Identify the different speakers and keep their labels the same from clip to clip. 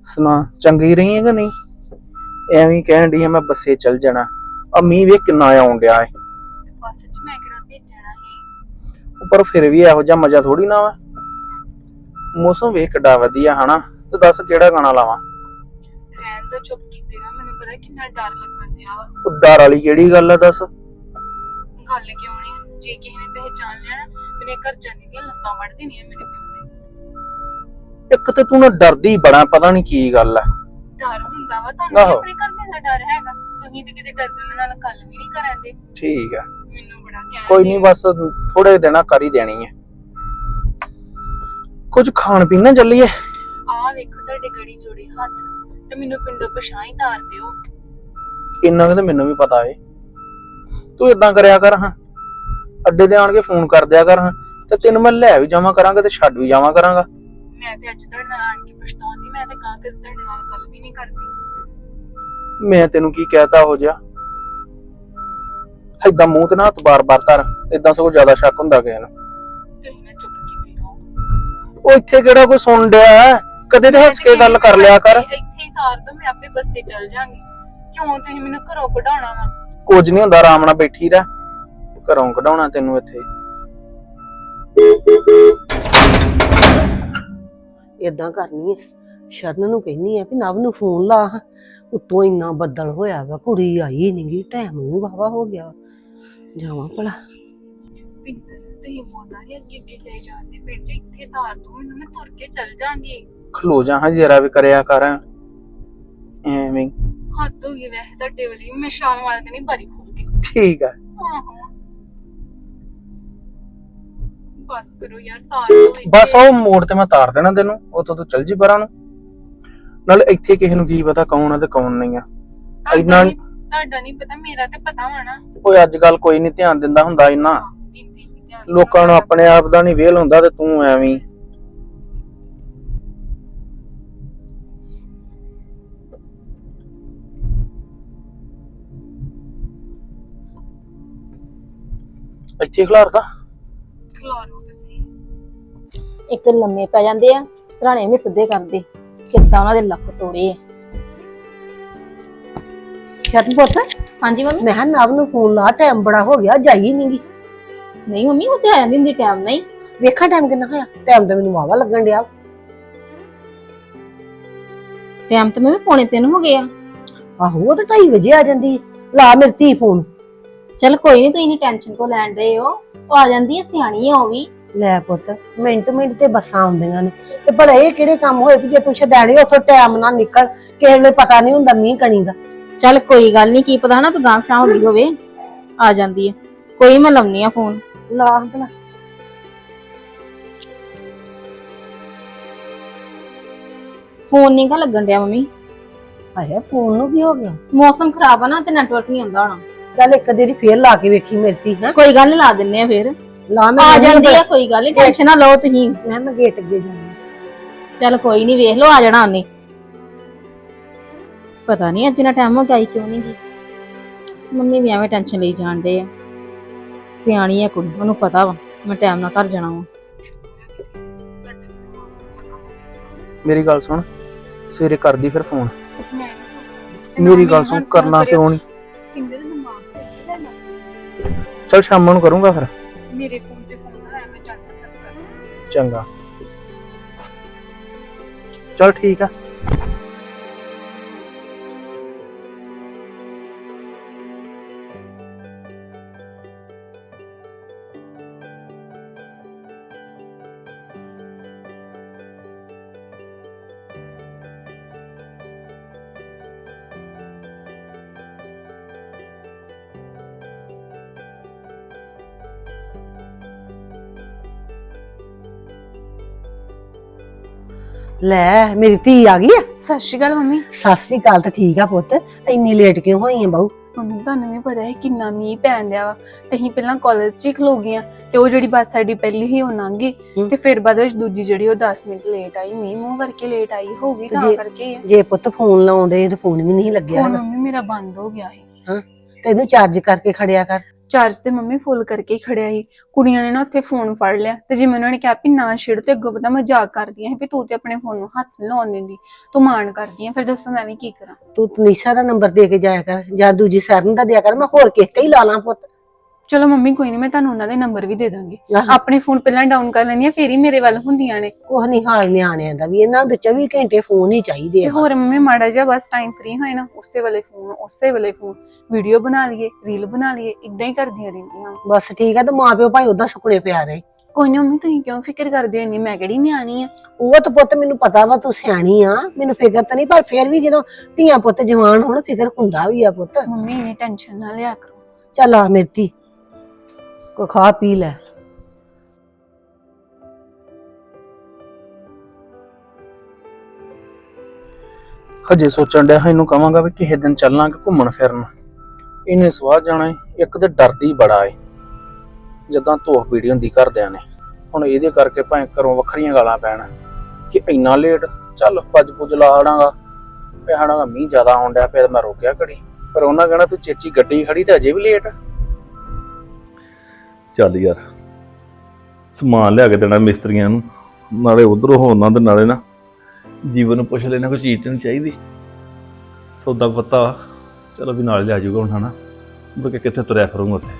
Speaker 1: ਸੁਣਾ ਚੰਗੀ ਰਹੀ ਹੈ ਕਿ ਨਹੀਂ? ਐਵੇਂ ਕਹਿਣ ਡਈ ਆ ਮੈਂ ਬੱਸੇ ਚੱਲ ਜਾਣਾ। ਆ ਮੀਂਹ ਵੇਖ ਕਿੰਨਾ ਆਉਣ ਡਿਆ ਏ।
Speaker 2: ਬੱਸ ਚ ਮੈਂ ਕਿਹੜਾ ਭੇਜਣਾ ਸੀ।
Speaker 1: ਪਰ ਫਿਰ ਵੀ ਇਹੋ ਜਿਹਾ ਮਜ਼ਾ ਥੋੜੀ ਨਾ ਵਾ। ਮੌਸਮ ਵੇਖ ਕਿੱਡਾ ਵਧੀਆ ਹਨਾ। ਤੇ ਦੱਸ ਕਿਹੜਾ ਗਾਣਾ ਲਾਵਾਂ?
Speaker 2: ਰਹਿਣ ਤੋਂ ਚੁੱਪ ਕੀਤੇ ਨਾ, ਮੈਨੂੰ ਪਤਾ ਕਿੰਨਾ ਡਰ ਲੱਗਣ ਡਿਆ ਵਾ।
Speaker 1: ਉਹ ਡਰ ਵਾਲੀ ਕਿਹੜੀ ਗੱਲ ਆ ਦੱਸ?
Speaker 2: ਗੱਲ ਕਿਉਂ ਨਹੀਂ? ਜੇ ਕਿਸੇ ਨੇ ਪਹਿਚਾਨ ਲਿਆ ਨਾ, ਮੇਰੇ ਘਰ ਜਾਣੀ ਦੀਆਂ ਲੱਤਾਂ ਵੱਢ ਦੇਣੀਆਂ ਮੇਰੇ ਪਿਓ ਨੇ।
Speaker 1: ਇੱਕ ਤੇ ਤੂੰ ਨਾ ਡਰਦੀ ਬੜਾ, ਪਤਾ ਨਹੀਂ ਕੀ ਗੱਲ ਆ।
Speaker 2: ਡਰ ਹੁੰਦਾ ਵਾ ਤੁਹਾਨੂੰ ਵੀ ਆਪਣੇ ਘਰ ਦੇ ਦਾ ਡਰ ਹੈਗਾ। ਤੁਸੀਂ ਤੇ ਕਿਤੇ ਡਰਦੇ ਨਾਲ ਗੱਲ ਵੀ ਨਹੀਂ ਕਰਦੇ।
Speaker 1: ਠੀਕ ਆ,
Speaker 2: ਮੈਨੂੰ ਬੜਾ ਕਹਿ
Speaker 1: ਕੋਈ ਨਹੀਂ, ਬਸ ਥੋੜੇ ਦਿਨਾਂ ਕਰ ਹੀ ਦੇਣੀ ਹੈ। ਕੁਝ ਖਾਣ ਪੀਣ ਨਾ ਚੱਲੀਏ।
Speaker 2: ਆਹ ਵੇਖੋ ਤੁਹਾਡੇ ਗੜੀ ਜੋੜੇ ਹੱਥ, ਤੇ ਮੈਨੂੰ ਪਿੰਡੋਂ ਪਛਾਣ ਹੀ ਤਾਰ ਦਿਓ।
Speaker 1: ਇੰਨਾ ਕੁ ਤਾਂ ਮੈਨੂੰ ਵੀ ਪਤਾ ਏ। ਤੂੰ ਇਦਾਂ ਕਰਿਆ ਕਰ ਹਾਂ, ਅੱਡੇ ਤੇ ਆਣ ਕੇ ਫੋਨ ਕਰ ਦਿਆ ਕਰ ਹਾਂ, ਤੇ ਤੈਨੂੰ ਮੈਂ ਲੈ ਵੀ ਜਾਵਾਂ ਕਰਾਂਗਾ ਤੇ ਛੱਡ ਵੀ ਜਾਵਾਂ ਕਰਾਂਗਾ।
Speaker 2: ਮੈਂ ਤੇ ਅੱਜ ਤੁਹਾਡੇ ਨਾਲ ਆਣ ਕੇ ਪਛਤਾਉਂਦੀ, ਮੈਂ ਤੇ ਗਾਂ ਕੇ ਤੁਹਾਡੇ ਨਾਲ ਗੱਲ ਵੀ ਨਹੀਂ ਕਰਦੀ।
Speaker 1: ਮੈਂ ਤੈਨੂੰ ਕੀ ਕਹਿਤਾ ਹੋ ਜਾ? ਏਦਾਂ ਮੂੰਹ ਤੇ ਨਾ ਹੱਥ ਬਾਰ-ਬਾਰ ਧਰ, ਏਦਾਂ ਸਗੋਂ ਜ਼ਿਆਦਾ ਸ਼ੱਕ ਹੁੰਦਾ ਕਿਸੇ ਨੂੰ।
Speaker 2: ਤੁਸੀਂ ਨਾ ਚੁੱਪ ਕੀਤੀ ਰਹੋ।
Speaker 1: ਉਹ ਇੱਥੇ ਕਿਹੜਾ ਕੋਈ ਸੁਣ ਡਿਆ? ਕਦੇ ਤੇ ਹੱਸ ਕੇ ਗੱਲ ਕਰ ਲਿਆ ਕਰ।
Speaker 2: ਇੱਥੇ ਹੀ ਤਾਰ ਦੋ, ਮੈਂ ਆਪੇ ਬੱਸੇ ਚੱਲ ਜਾਾਂਗੀ। ਕਿਉਂ ਤੁਸੀਂ ਮੈਨੂੰ ਘਰੋਂ ਕਢਾਉਣਾ ਵਾ?
Speaker 1: ਕੁਝ ਨਹੀਂ ਹੁੰਦਾ, ਆਰਾਮ ਨਾਲ ਬੈਠੀ ਰਹਿ। ਘਰੋਂ ਕਢਾਉਣਾ ਤੈਨੂੰ ਇੱਥੇ?
Speaker 3: ਏਦਾਂ ਕਰਨੀ ਹੈ, ਸ਼ਰਨ ਨੂੰ ਕਹਿੰਨੀ ਆ ਵੀ ਨਵ ਨੂੰ ਫੋਨ ਲਾ। ਉੱਤੋਂ ਇੰਨਾ ਬੱਦਲ ਹੋਇਆ ਵਾ, ਕੁੜੀ ਆਈ ਨੀ, ਟਾਈਮ ਨੂੰ ਵਾਵਾ ਹੋ ਗਿਆ। ਜਾਵਾਂ ਭਲਾ।
Speaker 2: ਪਿੰਦਰ ਤੁਸੀਂ ਮੋਨਾ ਨਹੀਂ ਅੱਗੇ ਅੱਗੇ ਜਾਈ ਜਾਂਦੇ, ਫਿਰ ਜੇ ਇੱਥੇ ਤਾਰ ਦੋ ਮੈਨੂੰ, ਮੈਂ ਤੁਰ ਕੇ ਚੱਲ ਜਾਾਂਗੀ।
Speaker 1: ਖਲੋ ਜਾ ਹਾਂ, ਜਰਾ ਵੀ ਕਰਿਆ ਕਰ ਐਵੇਂ।
Speaker 2: ਹੱਦ ਹੋ ਗਈ ਵੈਸੇ ਤੁਹਾਡੇ ਵਾਲੀ, ਮੈਂ ਛਾਲ ਮਾਰ ਦੇਣੀ ਬਾਰੀ ਖੋਲ ਕੇ।
Speaker 1: ਠੀਕ ਆ।
Speaker 2: ਆਹੋ ਬਸ ਕਰੋ ਯਾਰ, ਤਾਰ ਦੋ।
Speaker 1: ਬਸ ਉਹ ਮੋੜ ਤੇ ਮੈਂ ਤਾਰ ਦੇਣਾ ਤੈਨੂੰ, ਉਤੋਂ ਤੂੰ ਚੱਲ ਜੀ ਪਰਾਂ ਨੂੰ। ਨਾਲੇ ਇੱਥੇ ਕਿਸੇ ਨੂੰ ਕੀ ਪਤਾ ਕੌਣ ਆ ਤੇ ਕੌਣ ਨਹੀਂ ਆ। ਇੰਨਾ
Speaker 2: ਤੁਹਾਡਾ ਨਹੀਂ ਪਤਾ, ਮੇਰਾ ਤੇ ਪਤਾ ਵਾ ਨਾ।
Speaker 1: ਕੋਈ ਅੱਜ ਕੱਲ ਕੋਈ ਨਹੀਂ ਧਿਆਨ ਦਿੰਦਾ ਹੁੰਦਾ ਇੰਨਾ। ਲੋਕਾਂ ਨੂੰ ਆਪਣੇ ਆਪ ਦਾ ਨਹੀਂ ਵੇਲ ਹੁੰਦਾ, ਤੇ ਤੂੰ ਐਵੇਂ। ਇੱਥੇ ਖਿਲਾਰਦਾ
Speaker 2: ਖਿਲਾਰੋ ਤੁਸੀਂ।
Speaker 4: ਇੱਕ ਲੰਮੇ ਪੈ ਜਾਂਦੇ ਆ, ਸਰਾਣੇ ਵੀ ਸਿੱਧੇ ਕਰਦੇ, ਕਿੱਦਾਂ ਉਹਨਾਂ ਦੇ ਲੱਕ ਤੋੜੇ ਆ।
Speaker 3: ਸ਼ਰਨ ਪੁੱਤ,
Speaker 4: ਹਾਂਜੀ ਮੰਮੀ।
Speaker 3: ਮੈਂ ਕਿਹਾ ਨਵ ਨੂੰ ਫੋਨ ਲਾ, ਟਾਈਮ ਬੜਾ ਹੋ ਗਿਆ, ਜਾਈ ਨੀ ਗੀ।
Speaker 4: ਨਹੀਂ ਮੰਮੀ, ਉਹ ਤੇ ਆ ਜਾਂਦੀ ਹੁੰਦੀ ਟਾਈਮ ਨਹੀਂ।
Speaker 3: ਵੇਖਾਂ ਟਾਈਮ ਕਿੰਨਾ ਹੋਇਆ? ਟਾਈਮ ਤਾਂ ਮੈਨੂੰ ਵਾਵਾ ਲੱਗਣ ਡਿਆ।
Speaker 4: ਟਾਈਮ ਤੇ ਮੈਂ 2:45 ਹੋ ਗਿਆ।
Speaker 3: ਆਹੋ, ਉਹ ਤਾਂ 2:30 ਵਜੇ ਆ ਜਾਂਦੀ ਹੈ। ਲਾ ਮੇਰੀ ਧੀ ਫੋਨ।
Speaker 4: ਚਲ ਕੋਈ ਨਹੀਂ, ਤੁਸੀਂ ਨਹੀਂ ਟੈਨਸ਼ਨ ਕੋ ਲੈਣ ਰਹੇ ਹੋ, ਉਹ ਆ ਜਾਂਦੀ ਹੈ, ਸਿਆਣੀ ਆ ਉਹ ਵੀ।
Speaker 3: ਲੈ ਪੁੱਤ, ਮਿੰਟ ਮਿੰਟ ਤੇ ਬੱਸਾਂ ਆਉਂਦੀਆਂ ਨੇ, ਤੇ ਭਲਾ ਇਹ ਕਿਹੜੇ ਕੰਮ ਹੋਏ ਵੀ ਜੇ ਤੂੰ ਛਡਾਣੇ ਉੱਥੋਂ ਟਾਈਮ ਨਾਲ ਨਿਕਲ? ਕਿਸੇ ਨੂੰ ਪਤਾ ਨਹੀਂ ਹੁੰਦਾ ਮੀਂਹ ਕਣੀ ਦਾ।
Speaker 4: ਚੱਲ ਕੋਈ ਗੱਲ ਨਹੀਂ, ਕੀ ਪਤਾ ਨਾ ਗਾਂਵ ਸ਼ਾਂ ਹੁੰਦੀ ਹੋਵੇ, ਆ ਜਾਂਦੀ ਹੈ। ਕੋਈ ਮੈਂ ਲਾਉਣੀ ਆ ਫੋਨ।
Speaker 3: ਲਾ ਭਲਾ।
Speaker 4: ਫੋਨ ਨਹੀਂ ਗਾ ਲੱਗਣ ਡਿਆ ਮੰਮੀ।
Speaker 3: ਆਇਆ ਫੋਨ ਨੂੰ ਕੀ ਹੋ ਗਿਆ?
Speaker 4: ਮੌਸਮ ਖਰਾਬ ਆ ਨਾ, ਤੇ ਨੈਟਵਰਕ ਨਹੀਂ ਆਉਂਦਾ ਹੋਣਾ।
Speaker 3: ਚੱਲ ਇੱਕ ਦੇਰੀ ਫੇਰ ਲਾ ਕੇ ਵੇਖੀ ਮੇਰੀ ਧੀ। ਹੈ
Speaker 4: ਕੋਈ ਗੱਲ ਨੀ, ਲਾ ਦਿੰਨੇ ਆ ਫੇਰ।
Speaker 3: ਲਾ, ਮੈਂ
Speaker 4: ਆ ਜਾਂਦੀ ਆ, ਕੋਈ ਗੱਲ ਨੀ, ਟੈਨਸ਼ਨ ਨਾ ਲਓ ਤੁਸੀਂ।
Speaker 3: ਮੈਂ ਗੇਟ ਅੱਗੇ ਜਾਣਾ।
Speaker 4: ਚੱਲ ਕੋਈ ਨਹੀਂ, ਵੇਖ ਲਓ, ਆ ਜਾਣਾ ਉਹਨੇ। ਪਤਾ ਨਹੀਂ ਅੱਜ ਨਾ ਟਾਈਮ ਹੋ ਗਿਆ, ਆਈ ਕਿਉਂ ਨਹੀਂ ਗਈ। ਮੰਮੀ ਵੀ ਐਵੇਂ ਟੈਨਸ਼ਨ ਲਈ ਜਾਣਦੇ ਆ। ਸਿਆਣੀ ਆ ਕੁੜੀ, ਉਹਨੂੰ ਪਤਾ ਵਾ ਮੈਂ ਟਾਈਮ ਨਾਲ ਘਰ ਜਾਣਾ ਵਾ।
Speaker 1: ਮੇਰੀ ਗੱਲ ਸੁਣ, ਸਵੇਰੇ ਕਰਦੀ ਫਿਰ ਫੋਨ।
Speaker 2: ਮੈਂ
Speaker 1: ਮੇਰੀ ਗੱਲ ਸੁਣ, ਕਰਨਾ ਕਿਉਂ ਨਹੀਂ?
Speaker 2: ਪਿੰਦਰ ਦਿਮਾਗ ਤੇ ਲੈਣਾ।
Speaker 1: ਚਲ ਸ਼ਾਮ ਨੂੰ ਕਰੂੰਗਾ ਫਿਰ।
Speaker 2: ਮੇਰੇ ਫੋਨ ਤੇ ਫੋਨ ਆਇਆ, ਮੈਂ ਚੱਲ
Speaker 1: ਚੰਗਾ, ਚਲ ਠੀਕ ਆ।
Speaker 3: ਲੈ ਮੇਰੀ ਧੀ ਆ ਗਈ ਆ।
Speaker 2: ਸਤਿ ਸ਼੍ਰੀ ਅਕਾਲ ਮੰਮੀ।
Speaker 3: ਸਤਿ ਸ੍ਰੀ ਅਕਾਲ। ਤਾਂ ਠੀਕ ਆ ਪੁੱਤ, ਇੰਨੀ ਲੇਟ ਕਿਉਂ ਹੋਈ ਆ ਬਾਊ?
Speaker 2: ਮੰਮੀ ਤੁਹਾਨੂੰ ਵੀ ਪਤਾ ਹੈ ਕਿੰਨਾ ਮੀਂਹ ਪੈਣ ਦਿਆ ਵਾ, ਤੇ ਅਸੀਂ ਪਹਿਲਾਂ ਕਾਲਜ 'ਚ ਹੀ ਖਲੋ ਗਈਆਂ, ਤੇ ਉਹ ਜਿਹੜੀ ਬੱਸ ਸਾਡੀ ਪਹਿਲੀ ਹੀ ਉਹ ਲੰਘ ਗਈ, ਤੇ ਫਿਰ ਬਾਅਦ ਵਿੱਚ ਦੂਜੀ ਜਿਹੜੀ ਉਹ 10 ਮਿੰਟ ਲੇਟ ਆਈ, ਮੀਂਹ ਮੂੰਹ ਕਰਕੇ ਲੇਟ ਆਈ ਹੋਊਗੀ, ਤਾਂ ਕਰਕੇ ਆ।
Speaker 3: ਜੇ ਪੁੱਤ ਫੋਨ ਲਾਉਂਦੇ ਤੇ ਫੋਨ ਵੀ ਨਹੀਂ ਲੱਗਿਆ।
Speaker 2: ਹੁਣ ਮੰਮੀ ਮੇਰਾ ਬੰਦ ਹੋ ਗਿਆ ਸੀ।
Speaker 3: ਹਾਂ, ਤੈਨੂੰ ਚਾਰਜ ਕਰਕੇ ਖੜਿਆ ਕਰ।
Speaker 2: ਚਾਰਜ ਤੇ ਮੰਮੀ ਫੁੱਲ ਕਰਕੇ ਹੀ ਖੜਿਆ ਸੀ। ਕੁੜੀਆਂ ਨੇ ਨਾ ਉੱਥੇ ਫੋਨ ਫੜ ਲਿਆ ਤੇ ਜਿਵੇਂ ਉਹਨਾਂ ਨੇ ਕਿਹਾ ਵੀ ਨਾ ਛੇੜ, ਤੇ ਅੱਗੋਂ ਪਤਾ ਮਜ਼ਾਕ ਕਰਦੀਆਂ ਸੀ ਵੀ ਤੂੰ ਤੇ ਆਪਣੇ ਫੋਨ ਨੂੰ ਹੱਥ ਨੀ ਲਾਉਣ ਦਿੰਦੀ, ਤੂੰ ਮਾਣ ਕਰਦੀ ਆ। ਫਿਰ ਦੱਸੋ ਮੈਂ ਵੀ ਕੀ ਕਰਾਂ।
Speaker 3: ਤੂੰ ਤਨੀਸ਼ਾ ਦਾ ਨੰਬਰ ਦੇ ਕੇ ਜਾਇਆ ਕਰ ਜਾਂ ਦੂਜੀ ਸਰਨ ਦਾ ਦਿਆ ਕਰ, ਮੈਂ ਹੋਰ ਕਿਸੇ ਤੇ ਹੀ ਲਾ ਲਾਂ ਪੁੱਤ।
Speaker 2: ਚਲੋ ਮੰਮੀ ਕੋਈ ਨਹੀਂ, ਮੈਂ ਤੁਹਾਨੂੰ ਉਹਨਾਂ ਦੇ ਨੰਬਰ ਵੀ ਦੇ ਦਾਂਗੀ।
Speaker 3: ਆਹੋ।
Speaker 2: ਆਪਣੇ ਫੋਨ ਪਹਿਲਾਂ ਡਾਊਨ ਕਰ ਲੈਣੀ ਆ, ਫੇਰ ਹੀ ਮੇਰੇ ਵੱਲ ਹੁੰਦੀਆਂ ਨੇ।
Speaker 3: ਕੁਛ ਨੀ ਹਾਲ ਨਿਆਣਿਆਂ ਦਾ ਵੀ, ਇਹਨਾਂ ਦੇ 24 ਘੰਟੇ ਫੋਨ ਹੀ ਚਾਹੀਦੇ
Speaker 2: ਤੇ
Speaker 3: ਆ।
Speaker 2: ਹੋਰ ਮੰਮੀ ਮਾੜਾ ਜਿਹਾ ਬਸ ਟਾਈਮ ਫ੍ਰੀ ਹੋਏ ਨਾ, ਉਸੇ ਵੇਲੇ ਫੋਨ, ਉਸੇ ਵੇਲੇ ਫੋਨ, ਵੀਡੀਓ ਬਣਾ ਲਈਏ, ਰੀਲ ਬਣਾ ਲਈਏ, ਇਦਾਂ ਹੀ ਕਰਦੀਆਂ ਰਹਿੰਦੀਆਂ।
Speaker 3: ਬਸ ਠੀਕ ਆ, ਤੇ ਮਾਂ ਪਿਓ ਭਾਈ ਉਦਾਂ ਸੁਪਨੇ ਪਿਆ ਰਹੇ।
Speaker 2: ਕੋਈ ਨਾ ਮੰਮੀ, ਤੁਸੀਂ ਕਿਉਂ ਫਿਕਰ ਕਰਦੇ ਹੋ ਇੰਨੀ? ਮੈਂ ਕਿਹੜੀ ਨਿਆਣੀ ਆ।
Speaker 3: ਉਹ ਤਾਂ ਪੁੱਤ ਮੈਨੂੰ ਪਤਾ ਵਾ ਤੂੰ ਸਿਆਣੀ ਆ, ਮੈਨੂੰ ਫਿਕਰ ਤਾਂ ਨਹੀਂ, ਪਰ ਫੇਰ ਵੀ ਜਦੋਂ ਧੀਆਂ ਪੁੱਤ ਜਵਾਨ ਹੋਣ ਫਿਕਰ ਹੁੰਦਾ ਵੀ ਆ ਪੁੱਤ।
Speaker 2: ਮੰਮੀ ਇੰਨੀ ਟੈਨਸ਼ਨ ਨਾ ਲਿਆ ਕਰੋ।
Speaker 3: ਚੱਲ ਆ ਮੇਰੀ ਕੋ ਖਾ ਪੀ ਲੈ।
Speaker 1: ਹਜੇ ਸੋਚਣ ਡਿਆ ਇਹਨੂੰ ਕਵਾਂਗਾ ਵੀ ਕਿਸੇ ਦਿਨ ਚੱਲਾਂਗੇ ਘੁੰਮਣ ਫਿਰਨ। ਇਹਨੇ ਸਵਾਹ ਜਾਣਾ ਏ, ਇੱਕ ਤੇ ਡਰਦੀ ਬੜਾ ਏ ਜਦਾਂ ਧੋਖ ਵੀਡੀਓ ਹੁੰਦੀ ਘਰਦਿਆਂ ਨੇ। ਹੁਣ ਇਹਦੇ ਕਰਕੇ ਭਾਵੇਂ ਘਰੋਂ ਵੱਖਰੀਆਂ ਗਾਲਾਂ ਪੈਣ ਕਿ ਇੰਨਾ ਲੇਟ। ਚੱਲ ਭੱਜ ਭੁੱਜ ਲਾ ਆੜਾਂਗਾ, ਪਿਆੜਾਂਗਾ ਮੀਂਹ ਜ਼ਿਆਦਾ ਆਉਣ ਡਿਆ ਪਿਆ, ਮੈਂ ਰੋਕਿਆ ਘੜੀ, ਪਰ ਉਹਨਾਂ ਕਹਿਣਾ ਤੂੰ ਚੇਚੀ ਗੱਡੀ ਖੜੀ ਤੇ ਅਜੇ ਵੀ ਲੇਟ।
Speaker 5: ਚੱਲ ਯਾਰ, ਸਮਾਨ ਲਿਆ ਕੇ ਦੇਣਾ ਮਿਸਤਰੀਆਂ ਨੂੰ, ਨਾਲੇ ਉਧਰੋਂ ਹੋਣਾ ਤੇ ਨਾਲੇ ਨਾ ਜੀਵਨ ਨੂੰ ਪੁੱਛ ਲੈਣਾ ਕੋਈ ਚੀਜ਼ ਤੇ ਨਹੀਂ ਚਾਹੀਦੀ। ਸੌਦਾ ਪੱਤਾ ਚਲੋ ਵੀ ਨਾਲ ਲਿਆ ਜਾਊਗਾ ਹੁਣ, ਹਨਾ ਮੁੜ ਕੇ ਕਿੱਥੇ ਤੁਰਿਆ ਫਿਰੂੰਗਾ ਉੱਥੇ।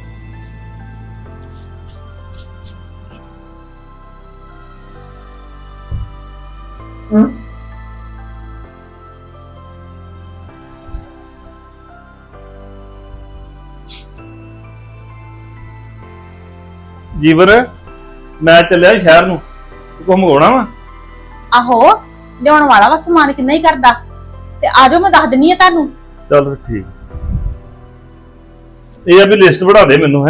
Speaker 5: ਜੀਵਨ, ਮੈਂ ਚੱਲਿਆ ਸ਼ਹਿਰ ਨੂੰ, ਤੂੰ ਮੰਗਵਾਉਣਾ ਵਾ?
Speaker 4: ਆਹੋ, ਲਿਆਉਣ ਵਾਲਾ ਵਾ ਸਮਾਨ, ਕਿੰਨਾ ਹੀ ਕਰਦਾ। ਤੇ ਆਜੋ ਮੈਂ ਦੱਸ ਦਿੰਨੀ ਆ ਤੁਹਾਨੂੰ।
Speaker 5: ਚੱਲ ਠੀਕ, ਇਹ ਆ ਵੀ ਲਿਸਟ ਬਣਾ ਦੇ ਮੈਨੂੰ। ਹੈ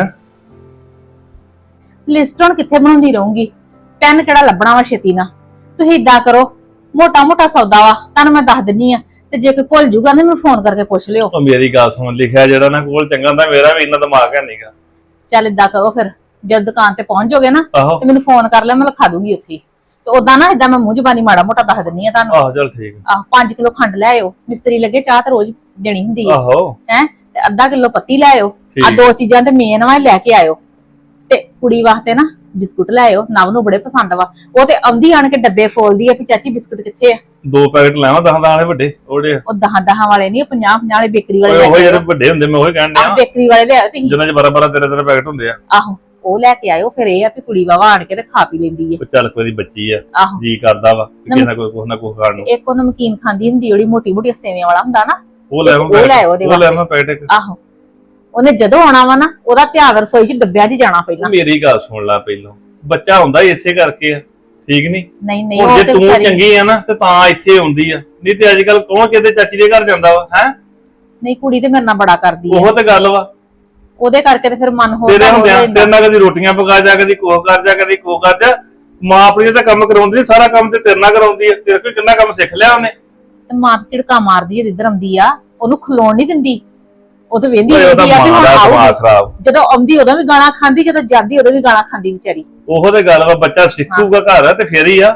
Speaker 4: ਲਿਸਟ ਹੁਣ ਕਿੱਥੇ ਬਣਾਉਂਦੀ ਰਹੂੰਗੀ, ਪੈਨ ਕਿਹੜਾ ਲੱਭਣਾ ਵਾ ਛੇਤੀ ਨਾ। ਤੁਸੀਂ ਇਦਾਂ ਕਰੋ, ਮੋਟਾ ਮੋਟਾ ਸੌਦਾ ਵਾ ਤੁਹਾਨੂੰ ਮੈਂ ਦੱਸ ਦਿੰਨੀ ਆ, ਤੇ ਜੇ ਕੋਈ ਭੁੱਲ ਜੂਗਾ ਨਾ ਮੈਨੂੰ ਫੋਨ ਕਰਕੇ ਪੁੱਛ ਲਿਓ।
Speaker 5: ਉਹ ਮੇਰੀ ਗੱਲ ਸੁਣ, ਲਿਖਿਆ ਜਿਹੜਾ ਨਾ ਕੋਲ ਚੰਗਾ ਹੁੰਦਾ, ਮੇਰਾ ਵੀ ਇੰਨਾ ਦਿਮਾਗ ਹੈ ਨਹੀਂਗਾ।
Speaker 4: ਚੱਲ ਇਦਾਂ ਕਰੋ ਫਿਰ, ਜਦ ਦੁਕਾਨ ਤੇ ਪਹੁੰਚ ਜਾਓਗੇ ਨਾ
Speaker 5: ਆਹੋ
Speaker 4: ਤੇ ਮੈਨੂੰ ਫੋਨ ਕਰ ਲਿਆ, ਮੈਂ ਲਿਖਾ ਦੂੰਗੀ ਉੱਥੇ। ਤੇ ਉਦਾਂ ਨਾ ਇਦਾਂ ਮੈਂ ਮੂੰਹ ਜ਼ਬਾਨੀ ਮਾੜਾ ਮੋਟਾ ਦੱਸ ਦਿੰਨੀ ਆ ਤੁਹਾਨੂੰ।
Speaker 5: ਆਹੋ ਚੱਲ ਠੀਕ।
Speaker 4: 5 ਕਿਲੋ ਖੰਡ ਲੈ ਆਇਓ, ਮਿਸਤਰੀ ਲੱਗੇ ਚਾਹ ਤੇ ਰੋਜ਼ ਦੇਣੀ ਹੁੰਦੀ ਹੈ।
Speaker 5: ਆਹੋ
Speaker 4: ਹੈ ਤੇ ਅੱਧਾ ਕਿਲੋ ਪੱਤੀ ਲੈ ਆਇਓ। ਆ
Speaker 5: ਠੀਕ।
Speaker 4: 2 ਚੀਜ਼ਾਂ ਤੇ ਮੇਨ ਵਾ, ਲੈ ਕੇ ਆਇਓ। ਤੇ ਕੁੜੀ ਵਾਸਤੇ ਨਾ ਬਿਸਕੁਟ ਲੈ ਆਇਓ, ਨਵ ਨੂੰ ਬੜੇ ਪਸੰਦ ਵਾ। ਉਹ ਤੇ ਆਉਂਦੀ ਆਣ ਕੇ ਡੱਬੇ ਫੋਲਦੀ ਆ ਵੀ ਚਾਚੀ ਬਿਸਕੁਟ ਕਿੱਥੇ ਆ।
Speaker 5: 2 ਪੈਕਟ ਲੈਵਾਂ 10 ਵਾਲੇ ਵੱਡੇ ਉਹਦੇ।
Speaker 4: ਉਹ 10 ਵਾਲੇ ਨਹੀਂ, 50 ਵਾਲੇ ਬੇਕਰੀ ਵਾਲੇ
Speaker 5: ਓਏ
Speaker 4: ਲੈ
Speaker 5: ਉਹ
Speaker 4: ਕੇ
Speaker 5: ਜਿਹੜੇ
Speaker 4: ਆਇਓ।
Speaker 5: ਵੱਡੇ ਹੁੰਦੇ ਮੈਂ ਉਹੀ ਕਹਿਣ ਡਿਆ,
Speaker 4: ਬੇਕਰੀ ਵਾਲੇ ਲੈ ਆਇਓ ਤੁਸੀਂ।
Speaker 5: ਜਿਨ੍ਹਾਂ 'ਚ 12 13 ਪੈਕਟ ਹੁੰਦੇ ਆ।
Speaker 4: ਆਹੋ, ਉਹ ਲੈ ਕੇ ਆਇਓ। ਫਿਰ ਇਹ ਆ ਵੀ ਕੁੜੀ ਵਾਵਾ ਆਣ ਕੇ ਤੇ ਖਾ ਪੀ ਲੈਂਦੀ ਹੈ।
Speaker 5: ਉਹ ਚੱਲ ਕੋਈ ਬੱਚੀ ਆ,
Speaker 4: ਆਹੋ,
Speaker 5: ਜੀ ਕਰਦਾ ਵਾ ਕਿ ਕਿਸੇ ਨਾ ਕੋਈ ਕੁਛ ਨਾ ਕੁਛ ਖਾਣ ਨੂੰ।
Speaker 4: ਇੱਕ ਉਹ ਨਮਕੀਨ ਖਾਂਦੀ ਹੁੰਦੀ ਜਿਹੜੀ ਮੋਟੀ ਮੋਟੀ ਸੇਵਿਆਂ ਵਾਲਾ ਹੁੰਦਾ ਨਾ,
Speaker 5: ਉਹ ਲੈ
Speaker 4: ਉਹ ਲੈ ਆਇਓ ਉਹਦੇ
Speaker 5: ਉਹ ਲੈ
Speaker 4: ਵਾਸਤੇ।
Speaker 5: ਮੈਂ ਪੈਕਟ ਇੱਕ।
Speaker 4: ਆਹੋ, ਉਹਨੇ ਜਦੋਂ ਆਉਣਾ ਵਾ ਨਾ, ਉਹਦਾ ਧਿਆਨ ਰਸੋਈ 'ਚ ਡੱਬਿਆਂ 'ਚ ਜਾਣਾ ਪਹਿਲਾਂ।
Speaker 5: ਮੇਰੀ ਗੱਲ ਸੁਣ ਲੈ, ਪਹਿਲਾਂ ਬੱਚਾ ਹੁੰਦਾ ਹੀ ਇਸੇ ਕਰਕੇ ਆ, ਠੀਕ ਨਹੀਂ?
Speaker 4: ਨਹੀਂ ਨਹੀਂ,
Speaker 5: ਹੁਣ
Speaker 4: ਉਹ
Speaker 5: ਜੇ
Speaker 4: ਤੇ
Speaker 5: ਤੂੰ
Speaker 4: ਵਿਚਾਰੀ-
Speaker 5: ਚੰਗੀ ਆ ਨਾ ਤੇ ਤਾਂ ਇੱਥੇ ਆਉਂਦੀ ਆ, ਨਹੀਂ ਤੇ ਅੱਜ ਕੱਲ ਕੌਣ ਕਿਤੇ ਚਾਚੀ ਦੇ ਘਰ ਜਾਂਦਾ ਵਾ? ਹੈ
Speaker 4: ਨਹੀਂ, ਕੁੜੀ ਤੇ ਮੇਰੇ ਨਾਲ ਬੜਾ ਕਰਦੀ ਹੈ,
Speaker 5: ਉਹ ਤੇ ਗੱਲ ਵਾ।
Speaker 4: ਉਹਦੇ ਕਰਕੇ ਤੇ ਫਿਰ ਮਨ ਹੋ
Speaker 5: ਤੇਰੇ ਹੁੰਦਿਆਂ
Speaker 4: ਜਾਂਦਾ।
Speaker 5: ਤੇਰੇ ਨਾਲ ਕਦੀ ਰੋਟੀਆਂ ਪਕਾ ਜਾ, ਕਦੀ ਕੋਹ ਕਰ ਜਾ, ਕਦੀ ਕੋਹ ਕਰ ਜਾ। ਮਾਂ ਆਪਣੀ ਤਾਂ ਕੰਮ ਕਰਾਉਂਦੀ ਨੀ, ਸਾਰਾ ਕੰਮ ਤੇ ਤੇਰੇ ਨਾਲ ਕਰਾਉਂਦੀ ਆ। ਤੇਰੇ ਕੋਲ ਕਿੰਨਾ ਕੰਮ ਸਿੱਖ ਲਿਆ ਉਹਨੇ।
Speaker 4: ਤੇ ਮਾਂ ਤੇ ਝਿੜਕਾ ਮਾਰਦੀ ਹੈ ਜਿੱਧਰ ਆਉਂਦੀ ਆ, ਉਹਨੂੰ ਖਲੋਣ ਨਹੀਂ ਦਿੰਦੀ। ਉਹ ਤੇ ਵੇਂਦੀ
Speaker 5: ਓਏ ਉਹਦਾ
Speaker 4: ਰਹਿੰਦੀ ਆ ਵੀ
Speaker 5: ਮਾਂ
Speaker 4: ਹੁਣ
Speaker 5: ਦਾ ਦਿਮਾਗ
Speaker 4: ਆਊਗੀ।
Speaker 5: ਖਰਾਬ।
Speaker 4: ਜਦੋਂ ਆਉਂਦੀ ਉਦੋਂ ਵੀ ਗਾਲਾਂ ਖਾਂਦੀ, ਜਦੋਂ ਜਾਂਦੀ ਉਦੋਂ ਵੀ ਗਾਲਾਂ ਖਾਂਦੀ ਵਿਚਾਰੀ।
Speaker 5: ਉਹੋ ਤੇ ਗੱਲ ਵਾ, ਬੱਚਾ ਸਿੱਖੂਗਾ ਘਰ ਤੇ ਫੇਰ ਹੀ ਆ।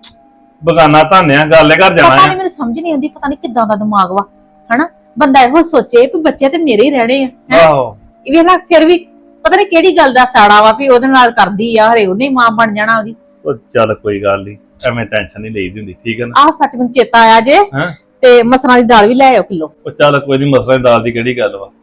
Speaker 5: ਬਗਾਨਾ ਧਾਨਿਆ ਗੱਲ ਘਰ ਜਾਣਾ
Speaker 4: ਪਤਾ
Speaker 5: ਆ।
Speaker 4: ਨਹੀਂ, ਮੈਨੂੰ ਸਮਝ ਨਹੀਂ ਆਉਂਦੀ, ਪਤਾ ਨਹੀਂ ਕਿੱਦਾਂ ਦਾ ਦਿਮਾਗ ਵਾ ਹਨਾ। ਬੰਦਾ ਇਹੋ ਸੋਚੇ ਵੀ ਬੱਚੇ ਤੇ ਮੇਰੇ ਹੀ ਰਹਿਣੇ ਆ, ਹੈਂ।
Speaker 5: ਆਹੋ
Speaker 4: ਇਹ ਵੇਖ ਲੈ, ਫਿਰ ਵੀ ਪਤਾ ਨਹੀਂ ਕਿਹੜੀ ਗੱਲ ਦਾ ਸਾੜਾ ਵਾ ਵੀ ਉਹਦੇ ਨਾਲ ਕਰਦੀ ਆ, ਹਰੇ ਉਹਨੇ ਮਾਂ ਬਣ ਜਾਣਾ ਉਹਦੀ।
Speaker 5: ਉਹ ਚੱਲ ਕੋਈ ਗੱਲ ਨਹੀਂ, ਐਵੇਂ ਟੈਨਸ਼ਨ ਨਹੀਂ ਲਈਦੀ ਹੁੰਦੀ, ਠੀਕ ਹੈ ਨਾ?
Speaker 4: ਆਹ ਸੱਚ ਮੈਨੂੰ ਚੇਤਾ ਆਇਆ ਜੇ,
Speaker 5: ਹੈਂ?
Speaker 4: ਤੇ ਮਸਰਾਂ ਦੀ ਦਾਲ ਵੀ ਲੈ ਆਇਓ ਕਿਲੋ।
Speaker 5: ਉਹ ਚੱਲ ਕੋਈ ਨਹੀਂ, ਮਸਰਾਂ ਦੀ ਦਾਲ ਦੀ ਕਿਹੜੀ ਗੱਲ ਵਾ?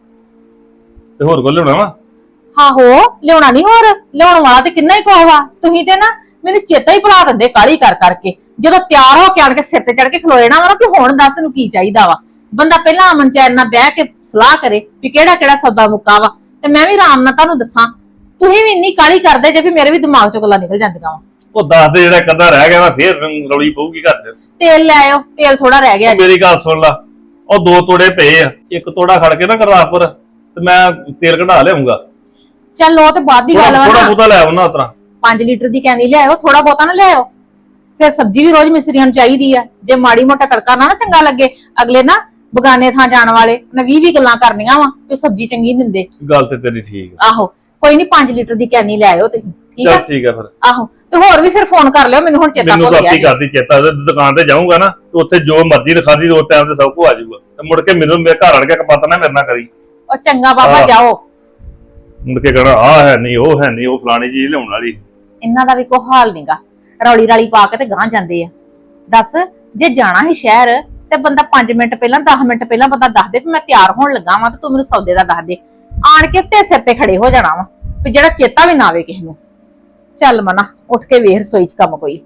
Speaker 5: ਤੇ ਹੋਰ ਕੋ ਲਿਆਉਣਾ ਵਾ?
Speaker 4: ਆਹੋ, ਲਿਆਉਣਾ ਨਹੀਂ, ਹੋਰ ਲਿਆਉਣ ਵਾਲਾ ਤੇ ਕਿੰਨਾ ਹੀ ਕੋਹ ਵਾ। ਤੁਸੀਂ ਤੇ ਨਾ ਮੈਨੂੰ ਚੇਤਾ ਹੀ ਭੁਲਾ ਦਿੰਦੇ ਕਾਲੀ ਕਰ ਕਰਕੇ। ਜਦੋਂ ਤਿਆਰ ਹੋ ਕੇ ਆਣ ਕੇ ਸਿਰ ਤੇ ਚੜ ਕੇ ਖਲੋ ਜਾਣਾ ਵਾ ਨਾ, ਕਿ ਹੁਣ ਦੱਸ ਤੈਨੂੰ ਕੀ ਚਾਹੀਦਾ ਵਾ। ਬੰਦਾ ਪਹਿਲਾਂ ਅਮਨ ਚੈਨ ਨਾਲ ਬਹਿ ਕੇ ਸਲਾਹ ਕਰੇ ਵੀ ਕਿਹੜਾ ਕਿਹੜਾ ਸੌਦਾ ਮੁੱਕਾ ਵਾ, ਤੇ ਮੈਂ ਵੀ ਆਰਾਮ ਨਾਲ ਤੁਹਾਨੂੰ ਦੱਸਾਂ। ਤੁਸੀਂ ਵੀ ਇੰਨੀ ਕਾਲੀ ਕਰਦੇ ਜੇ ਵੀ ਮੇਰੇ ਵੀ ਦਿਮਾਗ ਚੋਂ ਗੱਲਾਂ ਨਿਕਲ ਜਾਂਦੀਆਂ ਵਾ।
Speaker 5: ਉਹ ਦੱਸ ਦੇ, ਜਿਹੜਾ ਕਦਾ ਰਹਿ ਗਿਆ ਵਾ ਫੇਰ ਰੌਲੀ ਪਊਗੀ ਘਰ 'ਚ।
Speaker 4: ਤੇਲ ਲੈ ਆਇਓ, ਤੇਲ ਥੋੜਾ ਰਹਿ ਗਿਆ ਜੀ।
Speaker 5: ਮੇਰੀ ਗੱਲ ਸੁਣ ਲਾ, ਉਹ 2 ਤੋੜੇ ਪਏ ਆ, ਇੱਕ ਤੋੜਾ ਖੜ ਕੇ ਨਾ ਗੁਰਦਾਸਪੁਰ ਤੇ ਮੈਂ ਤੇਲ ਕਢਾ ਲਿਆਉਂਗਾ।
Speaker 4: ਚੱਲ ਉਹ ਤੇ ਬਾਅਦ ਦੀ ਗੱਲ ਵਾ
Speaker 5: ਥੋੜਾ
Speaker 4: ਨਾ।
Speaker 5: ਬਹੁਤਾ ਲੈ ਆਉਣਾ ਉਤਰਾ।
Speaker 4: 5 ਲੀਟਰ ਦੀ ਕੈਨੀ ਲਿਆਇਓ, ਥੋੜਾ ਬਹੁਤਾ ਨਾ ਲਿਆਇਓ। ਫਿਰ ਸਬਜ਼ੀ ਵੀ ਰੋਜ਼ ਮਿਸਤਰੀਆਂ ਨੂੰ ਚਾਹੀਦੀ ਆ। ਜੇ ਮਾੜੀ ਮੋਟਾ ਤੜਕਾ ਨਾ ਚੰਗਾ ਲੱਗੇ, ਅਗਲੇ ਨਾ ਬਗਾਨੇ ਥਾਂ ਜਾਣ ਵਾਲੇ ਨੇ 20 ਗੱਲਾਂ ਕਰਨੀਆਂ ਵਾ ਕਿ ਸਬਜ਼ੀ ਚੰਗੀ ਨੀ ਦਿੰਦੇ।
Speaker 5: ਗੱਲ ਤੇ ਤੇਰੀ ਠੀਕ ਆ।
Speaker 4: ਆਹੋ, ਕੋਈ ਨਹੀਂ, 5 ਲੀਟਰ ਦੀ ਕੈਨੀ ਲੈ ਆਇਓ ਤੁਸੀਂ, ਠੀਕ ਆ?
Speaker 5: ਚੱਲ ਠੀਕ ਆ ਫਿਰ।
Speaker 4: ਆਹੋ, ਤੇ ਹੋਰ ਵੀ ਫਿਰ ਫੋਨ ਕਰ ਲਿਓ ਮੈਨੂੰ, ਹੁਣ ਚੇਤਾ
Speaker 5: ਮੈਨੂੰ
Speaker 4: ਭੁੱਲ
Speaker 5: ਤਾਂ
Speaker 4: ਗਿਆ
Speaker 5: ਆਪੀ
Speaker 4: ਜੀ।
Speaker 5: ਕਰਦੀ ਚੇਤਾ, ਉਹਦੇ ਦੁਕਾਨ ਤੇ ਜਾਊਂਗਾ ਨਾ ਤੇ ਉੱਥੇ ਜੋ ਮਰਜ਼ੀ ਲਿਖਾਦੀ ਦੋ ਟਾਈਮ ਤੇ ਸਭ ਕੁਝ ਆ ਜਾਊਗਾ। ਤੇ ਮੁੜ ਕੇ ਮੈਨੂੰ ਮੇਰੇ ਘਰ ਆਣ ਕੇ ਕਪਾਤ ਨਾ ਮੇਰੇ ਨਾਲ ਕਰੀ।
Speaker 4: ਉਹ ਚੰਗਾ ਬਾਬਾ,
Speaker 5: ਆਹ।
Speaker 4: ਜਾਓ।
Speaker 5: ਮੁੜ ਕੇ ਕਹਣਾ ਆਹ ਹੈ ਨਹੀਂ ਉਹ ਹੈ ਨਹੀਂ ਉਹ ਫਲਾਣੀ ਚੀਜ਼ ਲਿਆਉਣ ਵਾਲੀ।
Speaker 4: ਇਹਨਾਂ ਦਾ ਵੀ ਕੋਈ ਹਾਲ ਨਹੀਂਗਾ, ਰੌਲੀ ਰਾਲੀ ਪਾ ਕੇ ਤੇ ਗਾਂਹ ਜਾਂਦੇ ਆ। ਦੱਸ, ਜੇ ਜਾਣਾ ਹੈ ਸ਼ਹਿਰ ਤੇ ਬੰਦਾ 5 ਮਿੰਟ ਪਹਿਲਾਂ 10 ਮਿੰਟ ਪਹਿਲਾਂ ਬੰਦਾ ਦੱਸ ਦੇ ਵੀ ਮੈਂ ਤਿਆਰ ਹੋਣ ਲੱਗਾ ਵਾਂ ਤੇ ਤੂੰ ਮੈਨੂੰ ਸੌਦੇ ਦਾ ਦੱਸ ਦੇ। ਆਣ ਕੇ ਤੇ ਸਿਰ ਤੇ ਖੜੇ ਹੋ ਜਾਣਾ ਵਾ ਵੀ ਜਿਹੜਾ ਚੇਤਾ ਵੀ ਨਾ ਆਵੇ ਕਿਸੇ ਨੂੰ। ਚੱਲ ਮਨਾ, ਉੱਠ ਕੇ ਵੇਖ ਰਸੋਈ 'ਚ ਕੰਮ ਕੋਈ।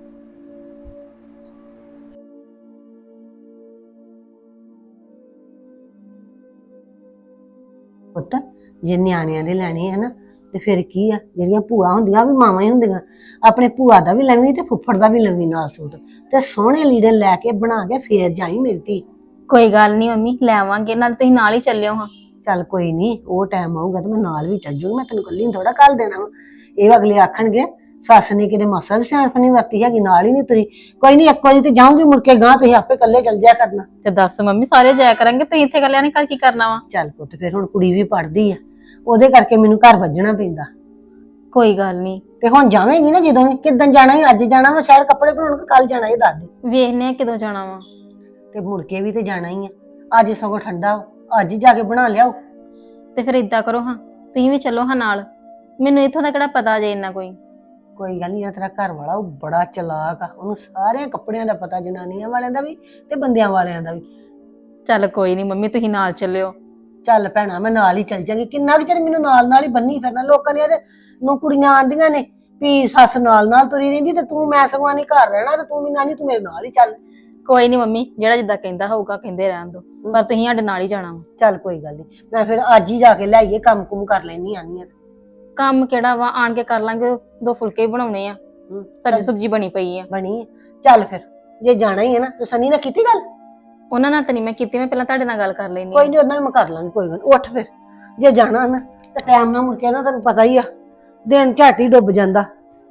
Speaker 3: ਪੁੱਤ ਜੇ ਨਿਆਣਿਆਂ ਦੇ ਲੈਣੇ ਆ ਨਾ ਤੇ ਫਿਰ ਕੀ ਆ, ਜਿਹੜੀਆਂ ਭੂਆ ਹੁੰਦੀਆਂ ਵੀ ਮਾਵਾਂ ਹੀ ਹੁੰਦੀਆਂ। ਆਪਣੇ ਭੂਆ ਦਾ ਵੀ ਲਵੀਂ ਤੇ ਫੁੱਫੜ ਦਾ ਵੀ ਲਵੀਂ ਨਾਲ ਸੂਟ, ਤੇ ਸੋਹਣੇ ਲੀੜੇ ਲੈ ਕੇ ਬਣਾ ਕੇ ਫੇਰ ਜਾਈ ਮੇਰੀ ਧੀ।
Speaker 2: ਕੋਈ ਗੱਲ ਨਹੀਂ ਮੰਮੀ, ਲੈ ਆਵਾਂਗੇ, ਨਾਲ ਤੁਸੀਂ ਨਾਲ ਹੀ ਚੱਲਿਓ ਹਾਂ।
Speaker 3: ਚੱਲ ਕੋਈ ਨਹੀਂ, ਉਹ ਟਾਈਮ ਆਊਗਾ ਤੇ ਮੈਂ ਨਾਲ ਵੀ ਚੱਲ ਜੂਗੀ, ਮੈਂ ਤੈਨੂੰ ਕੱਲੀ ਨੂੰ ਥੋੜਾ ਕੱਲ ਦੇਣਾ ਵਾ। ਇਹ ਅਗਲੇ ਆਖਣਗੇ ਸੱਸ ਨੇ ਕਿਤੇ ਮਾਸਾ ਵੀ ਸਿਆਣਪ ਨਹੀਂ ਵਰਤੀ ਹੈਗੀ, ਨਾਲ ਹੀ ਨਹੀਂ ਤੁਰੀ। ਕੋਈ ਨਹੀਂ, ਇੱਕ ਵਾਰੀ ਤੇ ਜਾਊਂਗੀ, ਮੁੜ ਕੇ ਗਾਂ ਤੁਸੀਂ ਆਪੇ ਇਕੱਲੇ ਚੱਲ ਜਾਇਆ ਕਰਨਾ।
Speaker 2: ਤੇ ਦੱਸ ਮੰਮੀ, ਸਾਰੇ ਜਾਇਆ ਕਰਾਂਗੇ, ਤੁਸੀਂ ਇੱਥੇ ਇਕੱਲਿਆਂ ਨੇ ਘਰ ਕੀ ਕਰਨਾ ਵਾ?
Speaker 3: ਚੱਲ ਪੁੱਤ, ਫਿਰ ਹੁਣ ਕੁੜੀ ਵੀ ਪੜ੍ਹਦੀ ਆ, ਉਹਦੇ ਕਰਕੇ ਮੈਨੂੰ ਘਰ ਵੱਜਣਾ ਪੈਂਦਾ।
Speaker 2: ਕੋਈ ਗੱਲ ਨਹੀਂ,
Speaker 3: ਤੇ ਹੁਣ ਜਾਵੇਂਗੀ ਨਾ ਜਦੋਂ ਵੀ, ਕਿੱਦਣ ਜਾਣਾ ਹੈ? ਅੱਜ ਜਾਣਾ ਵਾ ਸ਼ਾਇਦ ਕੱਪੜੇ ਬਣਾਉਣ, ਕਿ ਕੱਲ ਜਾਣਾ, ਇਹ ਦੱਸ ਦੇ।
Speaker 2: ਵੇਖਨੇ ਆ ਕਿਦੋਂ ਜਾਣਾ ਵਾ।
Speaker 3: ਤੇ ਮੁੜ ਕੇ ਵੀ ਤੇ ਜਾਣਾ ਹੀ ਆ। ਅੱਜ ਸਗੋਂ ਠੰਡਾ ਵਾ, ਅੱਜ ਹੀ ਜਾ ਕੇ ਬਣਾ ਲਿਆਓ।
Speaker 2: ਤੇ ਫਿਰ ਇਦਾਂ ਕਰੋ ਹਾਂ, ਤੁਸੀਂ ਵੀ ਚੱਲੋ ਹਾਂ ਨਾਲ, ਮੈਨੂੰ ਇੱਥੋਂ ਦਾ ਕਿਹੜਾ ਪਤਾ ਜੇ ਇੰਨਾ ਕੋਈ।
Speaker 3: ਕੋਈ ਗੱਲ ਨਹੀਂ, ਤੇਰਾ ਘਰ ਵਾਲਾ ਉਹ ਬੜਾ ਚਲਾਕ ਆ, ਉਹਨੂੰ ਸਾਰੇ ਕੱਪੜਿਆਂ ਦਾ ਪਤਾ, ਜਨਾਨੀਆਂ ਵਾਲਿਆਂ ਦਾ ਵੀ ਤੇ ਬੰਦਿਆਂ ਵਾਲਿਆਂ ਦਾ ਵੀ।
Speaker 2: ਚੱਲ ਕੋਈ ਨਹੀਂ ਮੰਮੀ, ਤੁਸੀਂ ਨਾਲ ਚੱਲਿਓ।
Speaker 3: ਚੱਲ ਭੈਣਾ, ਮੈਂ ਨਾਲ ਹੀ ਚੱਲ ਜਾਂਗੀ। ਕਿੰਨਾ ਕੁ ਚਿਰ ਮੈਨੂੰ ਨਾਲ ਨਾਲ ਹੀ ਬੰਨੀ ਫਿਰਨਾ। ਲੋਕਾਂ ਦੀਆਂ ਤੇ ਨੂੰ ਕੁੜੀਆਂ ਆਂਦੀਆਂ ਨੇ ਵੀ ਸੱਸ ਨਾਲ ਨਾਲ ਤੁਰੀ ਰਹਿੰਦੀ, ਤੇ ਤੂੰ ਮੈਂ ਸਗੋਂ ਨਹੀਂ ਘਰ ਰਹਿਣਾ, ਤੇ ਤੂੰ ਵੀ ਨਾਨੀ ਤੂੰ ਮੇਰੇ ਨਾਲ ਹੀ ਚੱਲ।
Speaker 2: ਕੋਈ ਨਹੀਂ ਮੰਮੀ, ਜਿਹੜਾ ਜਿੱਦਾਂ ਕਹਿੰਦਾ ਹੋਊਗਾ ਕਹਿੰਦੇ ਰਹਿਣ ਦੋ, ਪਰ ਤੁਸੀਂ ਸਾਡੇ ਨਾਲ ਹੀ ਜਾਣਾ ਵਾ।
Speaker 3: ਚੱਲ ਕੋਈ ਗੱਲ ਨਹੀਂ, ਮੈਂ ਫਿਰ ਅੱਜ ਹੀ ਜਾ ਕੇ ਲਿਆਈਏ, ਕੰਮ ਕੁਮ ਕਰ ਲੈਣੀ ਆਨੀ ਆ।
Speaker 2: ਕੰਮ ਕਿਹੜਾ ਵਾ, ਆਣ ਕੇ ਕਰ ਲਾਂਗੇ, 2 ਫੁਲਕੇ ਵੀ ਬਣਾਉਣੇ ਆ, ਸਬਜ਼ੀ ਸੁਬਜੀ ਬਣੀ ਪਈ ਆ।
Speaker 3: ਬਣੀ ਆ। ਚੱਲ ਫਿਰ, ਜੇ ਜਾਣਾ ਹੀ ਹੈ ਨਾ ਤੇ ਸਨੀ ਨਾਲ ਕੀਤੀ ਗੱਲ?
Speaker 2: ਉਹਨਾਂ ਨਾਲ ਤਾਂ ਨਹੀਂ ਮੈਂ ਕੀਤੀ, ਮੈਂ ਪਹਿਲਾਂ ਤੁਹਾਡੇ ਨਾਲ ਗੱਲ ਕਰ ਲੈਣੀ।
Speaker 3: ਕੋਈ ਨਹੀਂ, ਉਹਨਾਂ ਨਾਲ ਮੈਂ ਕਰ ਲਾਂਗੀ, ਕੋਈ ਗੱਲ ਨੀ। ਉੱਠ ਫਿਰ, ਜੇ ਜਾਣਾ ਨਾ ਤੇ ਟਾਈਮ ਨਾਲ ਮੁੜ ਕੇ ਨਾ, ਤੈਨੂੰ ਪਤਾ ਹੀ ਆ ਦਿਨ ਝੱਟ ਹੀ ਡੁੱਬ ਜਾਂਦਾ।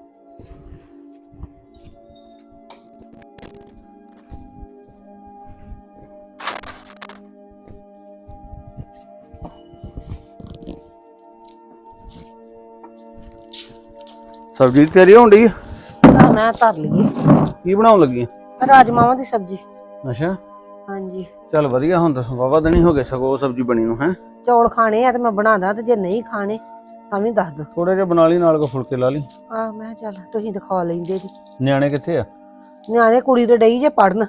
Speaker 1: ਸਬਜ਼ੀ ਦੀ ਤਿਆਰੀ ਹੋਣ ਡਈ ਆ?
Speaker 3: ਤਾਂ ਮੈਂ ਧਰ ਲਈਏ
Speaker 1: ਕੀ ਬਣਾਉਣ ਲੱਗੀ ਆ?
Speaker 3: ਰਾਜਮਾਵਾਂ ਦੀ ਸਬਜ਼ੀ।
Speaker 1: ਅੱਛਾ,
Speaker 3: ਹਾਂਜੀ,
Speaker 1: ਚੱਲ ਵਧੀਆ, ਹੁਣ ਤਾਂ ਵਾਵਾ ਦਿਨ ਹੋ ਗਏ ਸਗੋਂ ਉਹ ਸਬਜ਼ੀ ਬਣੀ ਨੂੰ। ਹੈ
Speaker 3: ਚੌਲ ਖਾਣੇ ਆ ਤੇ ਮੈਂ ਬਣਾਦਾ, ਤੇ ਜੇ ਨਹੀਂ ਖਾਣੇ ਤਾਂ ਵੀ ਦੱਸ ਦੋ।
Speaker 1: ਥੋੜੇ ਜਿਹਾ ਬਣਾ ਲਈ, ਨਾਲ ਕੋ ਫੁਲਕੇ ਲਾ ਲਈ।
Speaker 3: ਆਹ ਮੈਂ ਕਿਹਾ ਚੱਲ ਤੁਸੀਂ ਦਿਖਾ ਲੈਂਦੇ ਜੀ।
Speaker 1: ਨਿਆਣੇ ਕਿੱਥੇ ਆ?
Speaker 3: ਨਿਆਣੇ ਕੁੜੀ ਤੇ ਡਈ ਜੇ ਪੜਨ,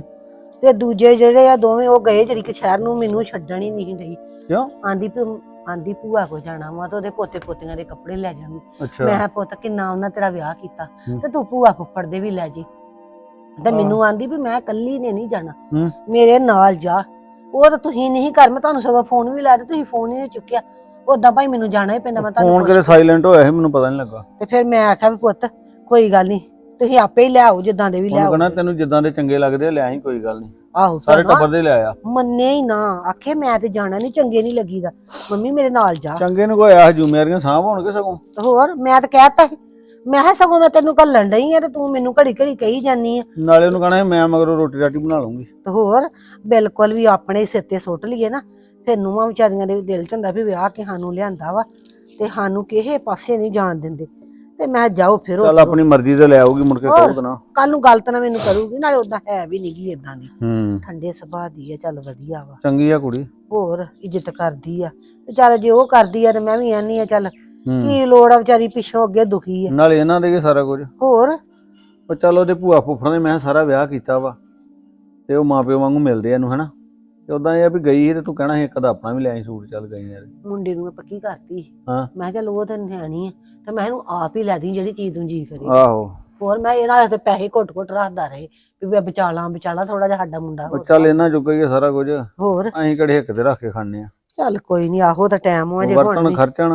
Speaker 3: ਤੇ ਦੂਜੇ ਜਿਹੜੇ ਆ ਦੋਵੇਂ ਉਹ ਗਏ ਜਿਹੜੀ ਕਿ ਸ਼ਹਿਰ ਨੂੰ, ਮੈਨੂੰ ਛੱਡਣ ਹੀ ਨਹੀਂ ਡਈ।
Speaker 1: ਕਿਉਂ?
Speaker 3: ਆਂਦੀ ਭੂਆ ਕੋ ਜਾਣਾ ਵਾ ਤੇ ਉਹਦੇ ਪੋਤੇ ਪੋਤੀਆਂ ਦੇ ਕੱਪੜੇ ਲੈ ਜਾਵਾਂਗੀ।
Speaker 1: ਅੱਛਾ,
Speaker 3: ਮੈਂ ਕਿਹਾ ਪੁੱਤ ਕਿੰਨਾ ਉਹਨਾਂ ਤੇਰਾ ਵਿਆਹ ਕੀਤਾ, ਤੇ ਤੂੰ ਭੂਆ ਫੁੱਫੜ ਦੇ ਵੀ ਲੈ ਜੀ। ਤੇ ਮੈਨੂੰ ਆਂਦੀ ਵੀ ਮੈਂ ਇਕੱਲੀ ਨੇ ਨਹੀਂ ਜਾਣਾ, ਮੇਰੇ ਨਾਲ ਜਾ। ਉਹ ਤਾਂ ਤੁਸੀਂ ਨਹੀਂ ਕਰ, ਮੈਂ ਤੁਹਾਨੂੰ ਸਗੋਂ ਫੋਨ ਵੀ ਲਾਇਆ ਤੇ ਤੁਸੀਂ ਫੋਨ ਹੀ ਨਹੀਂ ਚੁੱਕਿਆ। ਉਦਾਂ ਭਾਈ ਮੈਨੂੰ ਜਾਣਾ ਹੀ ਪੈਂਦਾ, ਮੈਂ
Speaker 1: ਫੋਨ ਕਿਤੇ ਸਾਇਲੈਂਟ ਹੋਇਆ ਸੀ, ਮੈਨੂੰ ਪਤਾ ਨਹੀਂ ਲੱਗਾ।
Speaker 3: ਤੇ ਫਿਰ ਮੈਂ ਆਖਿਆ ਵੀ ਪੁੱਤ ਕੋਈ ਗੱਲ ਨਹੀਂ, ਤੁਸੀਂ ਆਪੇ ਹੀ ਲਿਆਓ ਜਿੱਦਾਂ ਦੇ ਵੀ ਲਿਆਓ।
Speaker 1: ਕਹਿੰਦਾ ਤੈਨੂੰ ਜਿੱਦਾਂ ਦੇ ਚੰਗੇ ਲੱਗਦੇ ਆ ਲੈ ਆਈ, ਕੋਈ ਗੱਲ ਨਹੀਂ।
Speaker 3: ਆਹੋ,
Speaker 1: ਸਾਰੇ ਟੱਬਰ ਦੇ ਲੈ ਆਇਆ।
Speaker 3: ਮੰਨੇ ਹੀ ਨਾ, ਆਖੇ ਮੈਂ ਤੇ ਜਾਣਾ ਨਹੀਂ, ਚੰਗੇ ਨਹੀਂ ਲੱਗੀਦਾ, ਮੰਮੀ ਮੇਰੇ ਨਾਲ ਜਾ।
Speaker 1: ਚੰਗੇ ਨੂੰ ਕੋਈ ਆਹ ਜ਼ਿੰਮੇਵਾਰੀਆਂ ਸਾਂਭ ਹੋਣਗੇ ਸਗੋਂ।
Speaker 3: ਹੋਰ ਮੈਂ ਤਾਂ ਕਹਿਤਾ ਸੀ, ਮੈਂ ਕਿਹਾ ਸਗੋਂ ਮੈਂ ਤੈਨੂੰ ਘੱਲਣ ਡਈ ਆ ਤੇ ਤੂੰ ਮੈਨੂੰ ਘੜੀ ਘੜੀ ਕਹੀ ਜਾਨੀ ਆ।
Speaker 1: ਨਾਲੇ ਉਹਨੂੰ ਕਹਣਾ ਮੈਂ ਮਗਰੋਂ ਰੋਟੀ ਰਾਟੀ ਬਣਾ ਲੂੰਗੀ।
Speaker 3: ਤੇ ਹੋਰ ਬਿਲਕੁਲ ਵੀ ਆਪਣੇ ਸਿਰ ਤੇ ਸੁੱਟ ਲਈਏ ਨਾ, ਫਿਰ ਨੂੰਹਾਂ ਵਿਚਾਰੀਆਂ ਦੇ ਦਿਲ ਚ ਹੁੰਦਾ ਵੀ ਵਿਆਹ ਕੇ ਸਾਨੂੰ ਲਿਆਂਦਾ ਵਾ ਤੇ ਸਾਨੂੰ ਕਿਸੇ ਪਾਸੇ ਨਹੀਂ ਜਾਣ ਦਿੰਦੇ। ਤੇ ਮੈਂ ਜਾਓ ਫਿਰ
Speaker 1: ਚੱਲ ਆਪਣੀ ਮਰਜ਼ੀ ਤੇ ਲੈ ਆਊਗੀ, ਮੁੜ ਕੇ ਕਹੂ ਨਾ
Speaker 3: ਕੱਲ ਨੂੰ ਗਲਤ ਨਾ ਮੈਨੂੰ ਕਰੂਗੀ। ਨਾਲੇ ਉਦਾਂ ਹੈ ਵੀ ਨਹੀਂਗੀ ਇਦਾਂ ਦੀ, ਠੰਡੇ ਸੁਭਾਅ ਦੀ ਆ, ਚੱਲ ਵਧੀਆ ਵਾ,
Speaker 1: ਚੰਗੀ ਆ ਕੁੜੀ,
Speaker 3: ਹੋਰ ਇੱਜ਼ਤ ਕਰਦੀ ਆ। ਤੇ ਚੱਲ ਜੇ ਉਹ ਕਰਦੀ ਆ ਤੇ ਮੈਂ ਵੀ ਆਨੀ ਆ, ਚੱਲ ਕੀ ਲੋੜ ਆ, ਵਿਚਾਰੀ ਪਿੱਛੋਂ ਅੱਗੇ ਦੁਖੀ ਆ।
Speaker 1: ਨਾਲੇ ਇਹਨਾਂ ਦੇ ਸਾਰਾ ਕੁਝ।
Speaker 3: ਹੋਰ
Speaker 1: ਪਰ ਚੱਲ ਉਹਦੇ ਭੂਆ ਫੁੱਫੜ ਨੇ ਮੈਂ ਸਾਰਾ ਵਿਆਹ ਕੀਤਾ ਵਾ, ਤੇ ਉਹ ਮਾਪਿਓ ਵਾਂਗੂ ਮਿਲਦੇ ਇਹਨੂੰ, ਹਨਾ। ਤੇ ਉਦਾਂ ਇਹ ਆ ਵੀ ਗਈ ਸੀ ਤੇ ਤੂੰ ਕਹਿਣਾ ਸੀ ਇੱਕ ਦਾ ਆਪਣਾ ਵੀ ਲੈ ਆਈ ਸੂਟ। ਚੱਲ ਗਈ ਯਾਰ,
Speaker 3: ਮੁੰਡੇ ਨੂੰ ਮੈਂ ਪੱਕੀ ਕਰਤੀ।
Speaker 1: ਹਾਂ,
Speaker 3: ਮੈਂ ਚੱਲ ਉਹ ਤਾਂ ਨਿਆਣੀ ਆ, ਤੇ ਮੈਂ ਇਹਨੂੰ ਆਪ ਹੀ ਲੈ ਦੀ ਜਿਹੜੀ ਚੀਜ਼ ਨੂੰ ਜੀ ਕਰੇ।
Speaker 1: ਆਹੋ,
Speaker 3: ਹੋਰ ਮੈਂ ਇਹਨਾਂ ਦੇ ਪੈਸੇ ਘੁੱਟ ਘੁੱਟ ਰੱਖਦਾ ਰਹੇ ਵੀ ਮੈਂ ਬਚਾ ਲਾਂ ਥੋੜਾ ਜਿਹਾ ਸਾਡਾ ਮੁੰਡਾ
Speaker 1: ਉਹ ਚੱਲ ਇਹਨਾਂ ਚੁੱਕ ਹੀ ਆ ਸਾਰਾ ਕੁਝ,
Speaker 3: ਹੋਰ
Speaker 1: ਅਸੀਂ ਕਿਹੜੇ ਹਿੱਕ ਤੇ ਰੱਖ ਕੇ ਖਾਣੇ ਆ।
Speaker 3: ਚੱਲ ਕੋਈ ਨਹੀਂ, ਆਹੋ ਤਾਂ ਟਾਈਮ ਹੋ ਜੇ
Speaker 1: ਵਰਤਣ ਖਰਚਣ,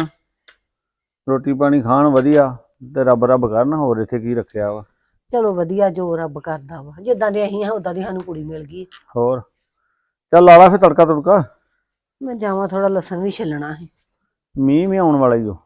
Speaker 1: ਰੋਟੀ ਪਾਣੀ ਖਾਣ ਵਧੀਆ, ਤੇ ਰੱਬ ਰੱਬ ਕਰਨ, ਹੋਰ ਇੱਥੇ ਕੀ ਰੱਖਿਆ ਵਾ।
Speaker 3: ਚਲੋ ਵਧੀਆ, ਜੋ ਰੱਬ ਕਰਦਾ ਵਾ, ਜਿੱਦਾਂ ਦੇ ਅਸੀਂ ਆ ਉਦਾਂ ਦੀ ਸਾਨੂੰ ਕੁੜੀ ਮਿਲ ਗਈ।
Speaker 1: ਹੋਰ ਚੱਲ ਲਾ ਲਾ ਫਿਰ ਤੜਕਾ ਤੁੜਕਾ,
Speaker 3: ਮੈਂ ਜਾਵਾਂ, ਥੋੜਾ ਲਸਣ ਵੀ ਛਿੱਲਣਾ ਹੈ।
Speaker 1: ਮੀਂਹ ਵੀ ਆਉਣ ਵਾਲਾ ਹੀ ਉਹ।